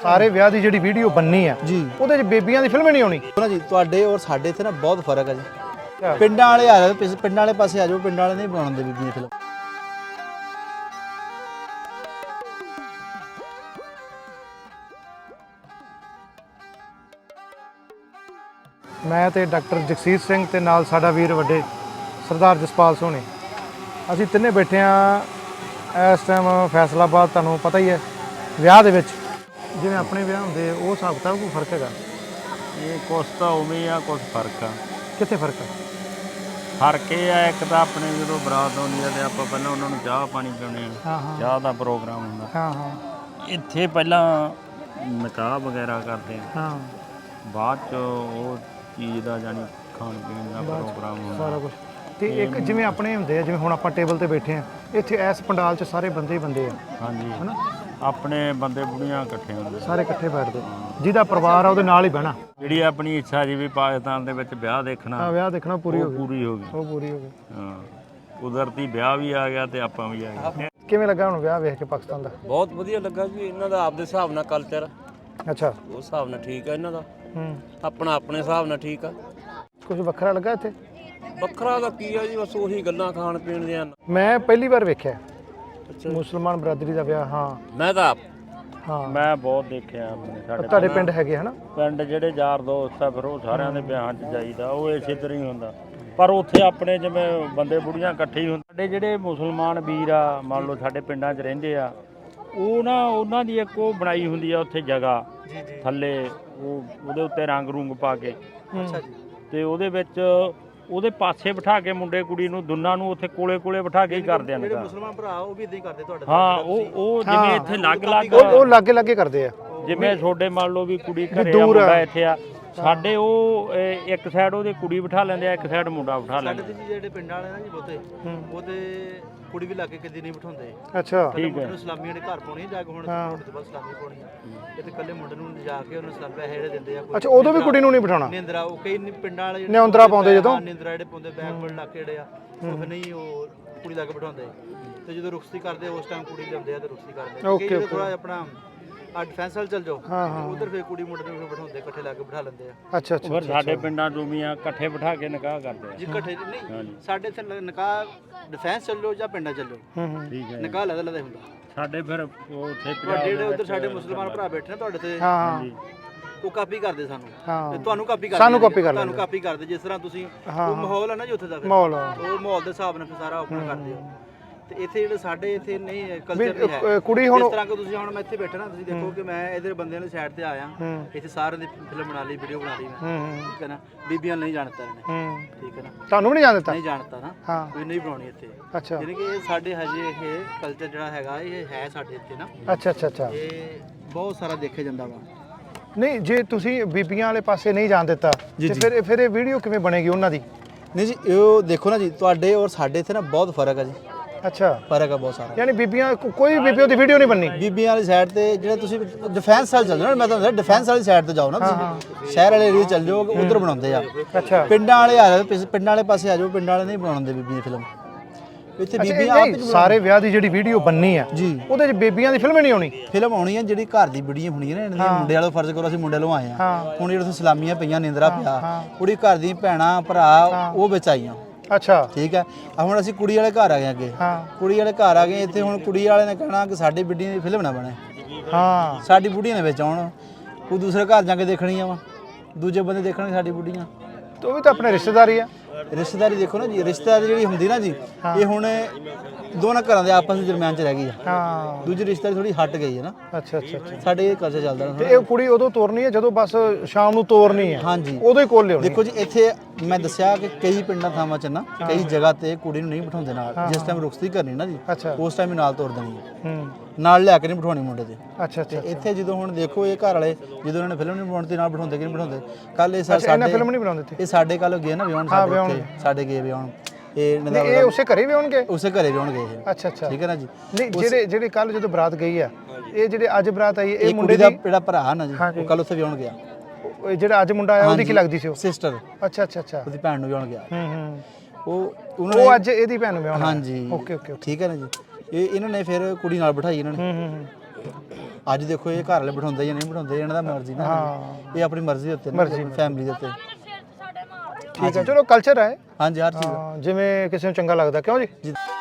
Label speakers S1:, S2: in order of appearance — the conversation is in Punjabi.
S1: ਸਾਰੇ ਵਿਆਹ ਦੀ ਜਿਹੜੀ ਵੀਡੀਓ ਬੰਨੀ ਆ
S2: ਜੀ
S1: ਉਹਦੇ 'ਚ ਬੇਬੀਆਂ ਦੀ ਫਿਲਮ ਨਹੀਂ ਆਉਣੀ
S2: ਨਾ ਜੀ। ਤੁਹਾਡੇ ਔਰ ਸਾਡੇ ਇੱਥੇ ਨਾ ਬਹੁਤ ਫਰਕ ਹੈ ਜੀ। ਪਿੰਡਾਂ ਵਾਲੇ ਆ ਜਾਓ, ਪਿੰਡਾਂ ਵਾਲੇ ਪਾਸੇ ਆ ਜਾਓ, ਪਿੰਡਾਂ ਵਾਲੇ ਨਹੀਂ ਬਣਾਉਂਦੇ ਬੀਬੀਆਂ ਦੀ ਫਿਲਮ।
S1: ਮੈਂ ਤੇ ਡਾਕਟਰ ਜਗਸੀਰ ਸਿੰਘ ਤੇ ਨਾਲ ਸਾਡਾ ਵੀਰ ਵੱਡੇ ਸਰਦਾਰ ਜਸਪਾਲ ਸੋਹਣੀ, ਅਸੀਂ ਤਿੰਨੇ ਬੈਠੇ ਆ ਇਸ ਟਾਈਮ ਫੈਸਲਾਬਾਦ। ਤੁਹਾਨੂੰ ਪਤਾ ਹੀ ਹੈ ਵਿਆਹ ਦੇ ਵਿੱਚ ਜਿਵੇਂ ਆਪਣੇ ਵਿਆਹ ਹੁੰਦੇ ਉਹ ਹਿਸਾਬ ਕਿਤਾਬ ਕੋਈ ਫਰਕ ਹੈਗਾ?
S3: ਇਹ ਕੁਛ ਤਾਂ ਉਵੇਂ ਆ, ਕੁਛ ਫਰਕ ਆ।
S1: ਕਿੱਥੇ ਫਰਕ ਆ?
S3: ਫਰਕ ਇਹ ਆ, ਇੱਕ ਤਾਂ ਆਪਣੇ ਜਦੋਂ ਬਰਾਤ ਆਉਂਦੀ ਆ ਤੇ ਆਪਾਂ ਪਹਿਲਾਂ ਉਹਨਾਂ ਨੂੰ ਚਾਹ ਪਾਣੀ ਪਿਆਉਂਦੇ ਆ,
S1: ਹਾਂ ਹਾਂ
S3: ਚਾਹ ਦਾ ਪ੍ਰੋਗਰਾਮ ਹੁੰਦਾ।
S1: ਹਾਂ ਹਾਂ
S3: ਇੱਥੇ ਪਹਿਲਾਂ ਨਿਕਾਹ ਵਗੈਰਾ ਕਰਦੇ ਆ,
S1: ਹਾਂ
S3: ਬਾਅਦ 'ਚ ਉਹ ਚੀਜ਼ ਦਾ ਜਾਨੀ ਖਾਣ ਪੀਣ ਦਾ ਪ੍ਰੋਗਰਾਮ ਹੁੰਦਾ
S1: ਸਾਰਾ ਕੁਝ। ਤੇ ਇੱਕ ਜਿਵੇਂ ਆਪਣੇ ਹੁੰਦੇ ਆ, ਜਿਵੇਂ ਹੁਣ ਆਪਾਂ ਟੇਬਲ ਤੇ ਬੈਠੇ ਆ, ਇੱਥੇ ਇਸ ਪੰਡਾਲ 'ਚ ਸਾਰੇ ਬੰਦੇ ਹੀ ਬੰਦੇ ਆ।
S3: ਹਾਂਜੀ,
S1: ਹਨਾ?
S3: ਆਪਣੇ ਬੰਦੇ ਬੁੜੀਆਂ ਇਕੱਠੇ ਹੁੰਦੇ,
S1: ਸਾਰੇ ਇਕੱਠੇ ਬੈਠਦੇ, ਜਿਹਦਾ ਪਰਿਵਾਰ ਆ ਉਹਦੇ ਨਾਲ ਹੀ ਬਹਿਣਾ।
S3: ਜਿਹੜੀ ਆਪਣੀ ਇੱਛਾ ਜੀ ਵੀ ਪਾਕਿਸਤਾਨ ਦੇ ਵਿੱਚ ਵਿਆਹ ਦੇਖਣਾ,
S1: ਵਿਆਹ ਦੇਖਣਾ ਪੂਰੀ ਹੋ ਗਈ,
S3: ਪੂਰੀ ਹੋ ਗਈ।
S1: ਉਹ ਪੂਰੀ ਹੋ ਗਈ।
S3: ਹਾਂ, ਕੁਦਰਤੀ ਵਿਆਹ ਵੀ ਆ ਗਿਆ ਤੇ ਆਪਾਂ ਵੀ ਆ ਗਏ।
S1: ਕਿਵੇਂ ਲੱਗਾ ਹੁਣ ਵਿਆਹ ਵੇਖ ਕੇ ਪਾਕਿਸਤਾਨ ਦਾ?
S4: ਬਹੁਤ ਵਧੀਆ ਲੱਗਾ ਜੀ। ਇਹਨਾਂ ਦਾ ਆਪਦੇ ਹਿਸਾਬ ਨਾਲ ਕਲਚਰ,
S1: ਅੱਛਾ,
S4: ਉਸ ਹਿਸਾਬ ਨਾਲ ਠੀਕ ਆ ਇਹਨਾਂ ਦਾ।
S1: ਆਪਣਾ
S4: ਆਪਣੇ ਹਿਸਾਬ ਨਾਲ ਠੀਕ ਆ।
S1: ਕੁਝ ਵੱਖਰਾ ਲੱਗਾ ਇੱਥੇ?
S4: ਵੱਖਰਾ ਦਾ ਕੀ ਆ ਜੀ, ਬਸ ਉਹੀ ਗੱਲਾਂ ਖਾਣ ਪੀਣ ਦੀਆਂ।
S1: ਮੈਂ ਪਹਿਲੀ ਵਾਰ ਵੇਖਿਆ ਮੁਸਲਮਾਨ ਬਰਾਦਰੀ ਦਾ ਵਿਆਹ। ਹਾਂ,
S4: ਮੈਂ ਤਾਂ
S1: ਹਾਂ
S3: ਮੈਂ ਬਹੁਤ ਦੇਖਿਆ ਆਪਣੇ ਸਾਡੇ
S1: ਤੁਹਾਡੇ ਪਿੰਡ ਹੈਗੇ ਹਨਾ?
S3: ਪਿੰਡ ਜਿਹੜੇ ਯਾਰ ਦੋਸਤ ਆ, ਫਿਰ ਉਹ ਸਾਰਿਆਂ ਦੇ ਵਿਆਹਾਂ 'ਚ ਜਾਈਦਾ, ਉਹ ਇਸੇ ਤਰ੍ਹਾਂ ਹੀ ਹੁੰਦਾ। ਪਰ ਉੱਥੇ ਆਪਣੇ ਜਿਵੇਂ ਬੰਦੇ ਬੁੜੀਆਂ ਇਕੱਠੇ ਹੀ ਹੁੰਦੇ। ਸਾਡੇ ਜਿਹੜੇ ਮੁਸਲਮਾਨ ਵੀਰ ਆ, ਮੰਨ ਲਓ ਸਾਡੇ ਪਿੰਡਾਂ 'ਚ ਰਹਿੰਦੇ ਆ, ਉਹ ਨਾ ਉਹਨਾਂ ਦੀ ਇੱਕ ਉਹ ਬਣਾਈ ਹੁੰਦੀ ਆ ਉੱਥੇ ਜਗ੍ਹਾ ਥੱਲੇ, ਉਹਦੇ ਉੱਤੇ ਰੰਗ ਰੁੰਗ ਪਾ ਕੇ,
S1: ਅੱਛਾ ਜੀ,
S3: ਤੇ ਉਹਦੇ ਵਿੱਚ ਉਹਦੇ ਪਾਸੇ ਬਿਠਾ ਕੇ ਮੁੰਡੇ ਕੁੜੀ ਨੂੰ ਦੋਨਾਂ ਨੂੰ ਉੱਥੇ ਕੋਲੇ ਕੋਲੇ ਬਿਠਾ ਕੇ ਹੀ ਕਰਦੇ ਆ।
S4: ਜਿਹੜੇ ਮੁਸਲਮਾਨ ਭਰਾ ਉਹ ਵੀ ਇਦਾਂ ਹੀ ਕਰਦੇ ਤੁਹਾਡੇ?
S3: ਹਾਂ, ਉਹ ਜਿਵੇਂ ਇੱਥੇ ਅਲੱਗ-ਅਲੱਗ,
S1: ਉਹ ਲਾਗੇ ਲਾਗੇ ਕਰਦੇ ਆ।
S3: ਜਿਵੇਂ ਤੁਹਾਡੇ ਮੰਨ ਲਓ ਵੀ ਕੁੜੀ ਘਰੇ ਆ, ਮੁੰਡਾ ਇੱਥੇ ਆ, ਸਾਡੇ ਉਹ ਇੱਕ ਸਾਈਡ ਉਹਦੇ ਕੁੜੀ ਬਿਠਾ ਲੈਂਦੇ ਆ, ਇੱਕ ਸਾਈਡ ਮੁੰਡਾ ਬਿਠਾ ਲੈਂਦੇ।
S4: ਸਾਡੇ ਜੀ ਜਿਹੜੇ ਪਿੰਡਾਂ ਵਾਲੇ ਨਾ ਜੀ ਬਹੁਤੇ, ਉਹਦੇ ਕੁੜੀ ਵੀ ਲਾਗੇ ਕਦੀ ਨਹੀਂ ਬਿਠਾਉਂਦੇ।
S1: ਅੱਛਾ,
S4: ਠੀਕ ਹੈ। ਸਲਾਮੀਆਂ ਦੇ ਘਰ ਪਾਉਣੀ ਜਾ ਕੇ, ਹੁਣ ਮੁੰਡੇ ਤੋਂ ਬਾਅਦ ਸਲਾਮੀ ਪਾਉਣੀ ਆ। ਤੇ ਇਕੱਲੇ ਮੁੰਡੇ ਨੂੰ ਜਾ ਕੇ ਉਹਨੂੰ ਸਲਾਮ ਪੈਸੇ ਜਿਹੜੇ ਦਿੰਦੇ ਆ।
S1: ਅੱਛਾ, ਉਦੋਂ ਵੀ ਕੁੜੀ ਨੂੰ ਨਹੀਂ ਬਿਠਾਉਣਾ?
S4: ਨਿੰਦਰਾ, ਉਹ ਕਈ ਪਿੰਡਾਂ ਵਾਲੇ
S1: ਨਿੰਦਰਾ ਪਾਉਂਦੇ ਜਦੋਂ,
S4: ਨਿੰਦਰਾ ਜਿਹੜੇ ਪਾਉਂਦੇ ਬੈਕਵਰਡ ਇਲਾਕੇ ਜਿਹੜੇ ਆ, ਉਹ ਨਹੀਂ ਉਹ ਕੁੜੀ ਲਾ ਕੇ ਬਿਠਾਉਂਦੇ। ਤੇ ਜਦੋਂ ਰੁਖਸਤੀ ਕਰਦੇ ਉਸ ਟਾਈਮ ਕੁੜੀ ਲਿਆਉਂਦੇ ਆ ਤੇ ਰੁਖਸਤੀ ਕਰਦੇ। ਓਕੇ, ਥੋੜਾ ਆਪਣਾ ਡਿਫੈਂਸ ਵਾਲ ਚੱਲ ਜਾਓ, ਉਧਰ ਫੇਰ ਕੁੜੀ ਮੁੰਡੇ ਨੂੰ ਬਿਠਾਉਂਦੇ, ਇਕੱਠੇ ਲਾ ਕੇ ਬਿਠਾ ਲੈਂਦੇ ਆ।
S1: ਅੱਛਾ ਅੱਛਾ।
S3: ਫਿਰ ਸਾਡੇ ਪਿੰਡਾਂ ਚੋਂ ਇਕੱਠੇ ਬਿਠਾ ਕੇ ਨਿਕਾਹ ਕਰਦੇ ਆ
S4: ਜੀ, ਇਕੱਠੇ ਨਹੀਂ। ਸਾਡੇ ਇੱਥੇ ਨਿਕਾਹ ਡਿਫੈਂਸ ਚੱਲੋ ਜਾਂ ਪਿੰਡਾਂ ਚੱਲੋ,
S3: ਠੀਕ ਹੈ।
S4: ਨਿਕਾਹ ਅਲੱਗ ਅਲੱਗ ਹੁੰਦਾ
S3: ਸਾਡੇ ਫਿਰ ਉੱਥੇ
S4: ਜਿਹੜੇ ਉਧਰ ਸਾਡੇ ਮੁਸਲਮਾਨ ਭਰਾ ਬੈਠੇ ਨੇ ਤੁਹਾਡੇ ਤੇ,
S1: ਹਾਂ,
S4: ਉਹ ਕਾਪੀ ਕਰਦੇ ਸਾਨੂੰ,
S1: ਹਾਂ,
S4: ਤੇ ਤੁਹਾਨੂੰ ਕਾਪੀ ਕਰਦੇ,
S1: ਸਾਨੂੰ ਕਾਪੀ ਕਰ
S4: ਤੁਹਾਨੂੰ ਕਾਪੀ ਕਰਦੇ। ਜਿਸ ਤਰ੍ਹਾਂ ਤੁਸੀਂ ਉਹ ਮਾਹੌਲ ਹੈ ਨਾ ਜੀ ਉੱਥੇ ਦਾ,
S1: ਮਾਹੌਲ,
S4: ਉਹ ਮਾਹੌਲ ਦੇ ਹਿਸਾਬ ਨਾਲ ਸਾਰਾ ਆਪਣਾ ਕਰਦੇ ਹੋ। ਤੇ ਇੱਥੇ ਜਿਹੜੇ ਸਾਡੇ ਇੱਥੇ ਨਹੀਂ ਕਲਚਰ ਨਹੀਂ ਹੈ।
S1: ਕੁੜੀ ਹੁਣ
S4: ਇਸ ਤਰ੍ਹਾਂ ਕਿ ਤੁਸੀਂ ਹੁਣ ਮੈਂ ਇੱਥੇ ਬੈਠਾ ਨਾ, ਤੁਸੀਂ ਦੇਖੋ ਕਿ ਮੈਂ ਇਧਰ ਬੰਦਿਆਂ ਦੀ ਸਾਈਡ ਤੇ ਆਇਆ, ਇੱਥੇ ਸਾਰਿਆਂ ਦੀ ਫਿਲਮ ਬਣਾ ਲਈ, ਵੀਡੀਓ ਬਣਾ ਲਈ ਮੈਂ, ਠੀਕ ਹੈ ਨਾ। ਬੀਬੀਆਂ ਨਹੀਂ ਜਾਣਦਾ ਇਹਨੇ, ਠੀਕ ਹੈ ਨਾ।
S1: ਤੁਹਾਨੂੰ ਵੀ ਨਹੀਂ ਜਾਣ ਦਿੱਤਾ?
S4: ਨਹੀਂ ਜਾਣਦਾ ਨਾ,
S1: ਹਾਂ,
S4: ਕੋਈ ਨਹੀਂ ਬਣਾਉਣੀ ਇੱਥੇ।
S1: ਅੱਛਾ,
S4: ਯਾਨੀ ਕਿ ਇਹ ਸਾਡੇ ਹਜੇ ਇਹ ਕਲਚਰ ਜਿਹੜਾ ਹੈਗਾ ਇਹ ਹੈ ਸਾਡੇ ਇੱਥੇ ਨਾ।
S1: ਅੱਛਾ ਅੱਛਾ ਅੱਛਾ।
S4: ਇਹ ਬਹੁਤ ਸਾਰਾ ਦੇਖਿਆ ਜਾਂਦਾ ਵਾ।
S1: ਨਹੀਂ, ਜੇ ਤੁਸੀਂ ਬੀਬੀਆਂ ਵਾਲੇ ਪਾਸੇ ਨਹੀਂ ਜਾਣ ਦਿੱਤਾ ਤੇ ਫਿਰ ਇਹ ਵੀਡੀਓ ਕਿਵੇਂ ਬਣੇਗੀ ਉਹਨਾਂ ਦੀ?
S2: ਨਹੀਂ ਜੀ, ਉਹ ਦੇਖੋ ਨਾ ਜੀ, ਤੁਹਾਡੇ ਔਰ ਸਾਡੇ ਇੱਥੇ ਨਾ ਬਹੁਤ ਫਰਕ ਹੈ ਜੀ।
S1: ਅੱਛਾ,
S2: ਫਰਕ ਆ ਬਹੁਤ ਸਾਰਾ।
S1: ਯਾਨੀ ਬੀਬੀਆਂ ਕੋਈ ਬੀਬੀਆਂ ਦੀ ਵੀਡੀਓ ਨਹੀਂ ਬਣਨੀ?
S2: ਬੀਬੀਆਂ ਵਾਲੀ ਸਾਈਡ ਤੇ ਜਿਹੜੇ ਤੁਸੀਂ ਡਿਫੈਂਸ ਵਾਲ ਚੱਲ ਜਾਓ ਨਾ, ਮੈਂ ਤੁਹਾਨੂੰ ਦੱਸਿਆ ਡਿਫੈਂਸ ਵਾਲੀ ਸਾਈਡ ਤੇ ਜਾਓ ਨਾ ਤੁਸੀਂ, ਸ਼ਹਿਰ ਵਾਲੇ ਏਰੀਆ ਚੱਲ ਜਾਓ, ਉਧਰ ਬਣਾਉਂਦੇ ਆ।
S1: ਅੱਛਾ,
S2: ਪਿੰਡਾਂ ਵਾਲੇ ਆ ਜਾਓ, ਪਿੰਡਾਂ ਵਾਲੇ ਪਾਸੇ ਆ ਜਾਓ, ਪਿੰਡਾਂ ਵਾਲੇ ਨਹੀਂ ਬਣਾਉਂਦੇ ਬੀਬੀਆਂ ਦੀ ਫਿਲਮ। ਇੱਥੇ ਬੀਬੀਆਂ ਆਪ ਹੀ
S1: ਸਾਰੇ ਵਿਆਹ ਦੀ ਜਿਹੜੀ ਵੀਡੀਓ ਬੰਨੀ ਆ
S2: ਜੀ,
S1: ਉਹਦੇ 'ਚ ਬੀਬੀਆਂ ਦੀ ਫਿਲਮ ਨਹੀਂ ਆਉਣੀ?
S2: ਫਿਲਮ ਆਉਣੀ ਹੈ ਜਿਹੜੀ ਘਰ ਦੀ ਵੀਡੀਓ ਹੋਣੀ ਹੈ ਨਾ, ਇਹਨਾਂ ਦੀ ਮੁੰਡੇ ਵਾਲੋ ਫਰਜ਼ ਕਰੋ, ਅਸੀਂ ਮੁੰਡੇ ਵਾਲੋਂ ਆਏ ਆ। ਹੁਣ ਜਿਹੜੇ ਤੁਸੀਂ ਸਲਾਮੀਆਂ ਪਈਆਂ, ਨਿੰਦਰਾ ਪਿਆ, ਕੁੜੀ ਘਰ ਦੀ ਭੈਣਾਂ ਭਰਾ ਉਹ ਵਿੱਚ ਆਈਆਂ।
S1: ਅੱਛਾ,
S2: ਠੀਕ ਹੈ। ਹੁਣ ਅਸੀਂ ਕੁੜੀ ਵਾਲੇ ਘਰ ਆ ਗਏ ਅੱਗੇ, ਕੁੜੀ ਵਾਲੇ ਘਰ ਆ ਗਏ ਇੱਥੇ। ਹੁਣ ਕੁੜੀ ਵਾਲੇ ਨੇ ਕਹਿਣਾ ਕਿ ਸਾਡੀ ਬੀਡੀਆਂ ਦੀ ਫਿਲਮ ਨਾ ਬਣੇ,
S1: ਹਾਂ, ਸਾਡੀ
S2: ਬੁੱਢੀਆਂ ਦੇ ਵਿੱਚ ਆਉਣ। ਉਹ ਦੂਸਰੇ ਘਰ ਜਾ ਕੇ ਦੇਖਣੀਆਂ ਵਾ, ਦੂਜੇ ਬੰਦੇ ਦੇਖਣਗੇ ਸਾਡੀ ਬੁੱਢੀਆਂ।
S1: ਉਹ ਵੀ ਤਾਂ ਆਪਣੇ ਰਿਸ਼ਤੇਦਾਰੀ ਆ।
S2: ਰਿਸ਼ਤੇਦਾਰੀ ਦੇਖੋ ਨਾ ਜੀ, ਰਿਸ਼ਤੇਦਾਰੀ ਜਿਹੜੀ ਹੁੰਦੀ ਨਾ ਜੀ, ਇਹ ਹੁਣ ਦੋਨਾਂ ਘਰਾਂ ਦੇ ਆਪਸ ਵਿੱਚ ਦਰਮਿਆਨ ਚ ਰਹਿ ਗਈ ਆ।
S1: ਹਾਂ,
S2: ਦੂਜੀ ਰਿਸ਼ਤੇਦਾਰੀ ਥੋੜੀ ਹਟ ਗਈ ਹੈ ਨਾ।
S1: ਅੱਛਾ ਅੱਛਾ ਅੱਛਾ।
S2: ਸਾਡੇ ਇਹ ਕਲਚਰ ਚੱਲਦਾ
S1: ਤੇ ਇਹ ਕੁੜੀ ਉਦੋਂ ਤੋਰਨੀ ਹੈ ਜਦੋਂ ਬਸ ਸ਼ਾਮ ਨੂੰ ਤੋਰਨੀ ਹੈ?
S2: ਹਾਂਜੀ,
S1: ਉਦੋਂ ਹੀ ਕੋਲ ਲਿਆਉਣੀ।
S2: ਦੇਖੋ ਜੀ, ਇੱਥੇ ਮੈਂ ਦੱਸਿਆ ਕਿ ਕਈ ਪਿੰਡਾਂ ਥਾਵਾਂ 'ਚ ਨਾ, ਕਈ ਜਗ੍ਹਾ ਤੇ ਕੁੜੀ ਨੂੰ ਨਹੀਂ ਬਿਠਾਉਂਦੇ ਨਾਲ। ਜਿਸ ਟਾਈਮ ਰੁਖਸਤੀ ਕਰਨੀ ਨਾ ਜੀ, ਉਸ ਟਾਈਮ ਹੀ ਨਾਲ ਤੋਰ ਦੇਣੀ ਹੈ, ਨਾਲ ਲਿਆ ਕੇ ਨਹੀਂ ਬਿਠਾਉਣੀ ਮੁੰਡੇ ਦੇ।
S1: ਅੱਛਾ ਅੱਛਾ।
S2: ਇੱਥੇ ਜਦੋਂ ਹੁਣ ਦੇਖੋ ਇਹ ਘਰ ਵਾਲੇ ਜਦੋਂ ਇਹਨਾਂ ਨੇ ਫਿਲਮ ਨਹੀਂ ਬਣਾਉਣੀ, ਨਾਲ ਬਿਠਾਉਂਦੇ ਕਿ ਨਹੀਂ ਬਿਠਾਉਂਦੇ। ਕੱਲ ਇਹ
S1: ਸਾਡੇ ਫਿਲਮ ਨਹੀਂ ਬਣਾਉਂਦੇ
S2: ਇਹ ਸਾਡੇ ਕੱਲ ਗਏ ਨਾ ਵਿਆਹਣ, ਸਾਡੇ ਗਏ ਵਿਆਹਣ।
S1: ਇਹ ਉਸੇ ਘਰੇ ਵੀ ਆਉਣਗੇ?
S2: ਉਸੇ ਘਰੇ ਵਿਆਹਣ ਗਏ ਇਹ।
S1: ਅੱਛਾ ਅੱਛਾ,
S2: ਠੀਕ ਹੈ ਨਾ ਜੀ।
S1: ਨਹੀਂ, ਜਿਹੜੇ ਕੱਲ ਜਦੋਂ ਬਰਾਤ ਗਈ ਆ, ਇਹ ਜਿਹੜੇ ਅੱਜ ਬਰਾਤ ਆਈ, ਇਹ
S2: ਮੁੰਡੇ ਦਾ ਜਿਹੜਾ ਭਰਾ ਨਾ ਜੀ, ਉਹ ਕੱਲ ਉੱਥੇ ਵਿਆਹਣ ਗਿਆ।
S1: ਜਿਹੜਾ ਅੱਜ ਮੁੰਡਾ ਆਇਆ ਉਹਦੀ ਕੀ ਲੱਗਦੀ ਸੀ? ਉਹ
S2: ਸਿਸਟਰ।
S1: ਅੱਛਾ ਅੱਛਾ ਅੱਛਾ।
S2: ਉਹਦੀ ਭੈਣ ਨੂੰ ਵਿਆਹਣ ਗਿਆ।
S1: ਉਹ ਅੱਜ ਇਹਦੀ ਭੈਣ ਨੂੰ ਵਿਆਹਣਾ?
S2: ਹਾਂਜੀ,
S1: ਓਕੇ ਓਕੇ,
S2: ਠੀਕ ਹੈ ਨਾ ਜੀ। ਇਹਨਾਂ ਨੇ ਫਿਰ ਕੁੜੀ ਨਾਲ ਬਿਠਾਈ ਇਹਨਾਂ ਨੇ। ਅੱਜ ਦੇਖੋ ਇਹ ਘਰ ਵਾਲੇ ਬਿਠਾਉਂਦੇ ਜਾਂ ਨਹੀਂ ਬਿਠਾਉਂਦੇ ਇਹਨਾਂ ਦਾ ਮਰਜ਼ੀ ਨਾ ਇਹ ਆਪਣੀ ਮਰਜ਼ੀ ਦੇ ਉੱਤੇ ਫੈਮਿਲੀ ਦੇ ਉੱਤੇ
S1: ਠੀਕ ਹੈ ਚਲੋ ਕਲਚਰ ਹੈ
S2: ਹਾਂਜੀ ਹਰ ਚੀਜ਼
S1: ਜਿਵੇਂ ਕਿਸੇ ਨੂੰ ਚੰਗਾ ਲੱਗਦਾ ਕਿਉਂ ਜੀ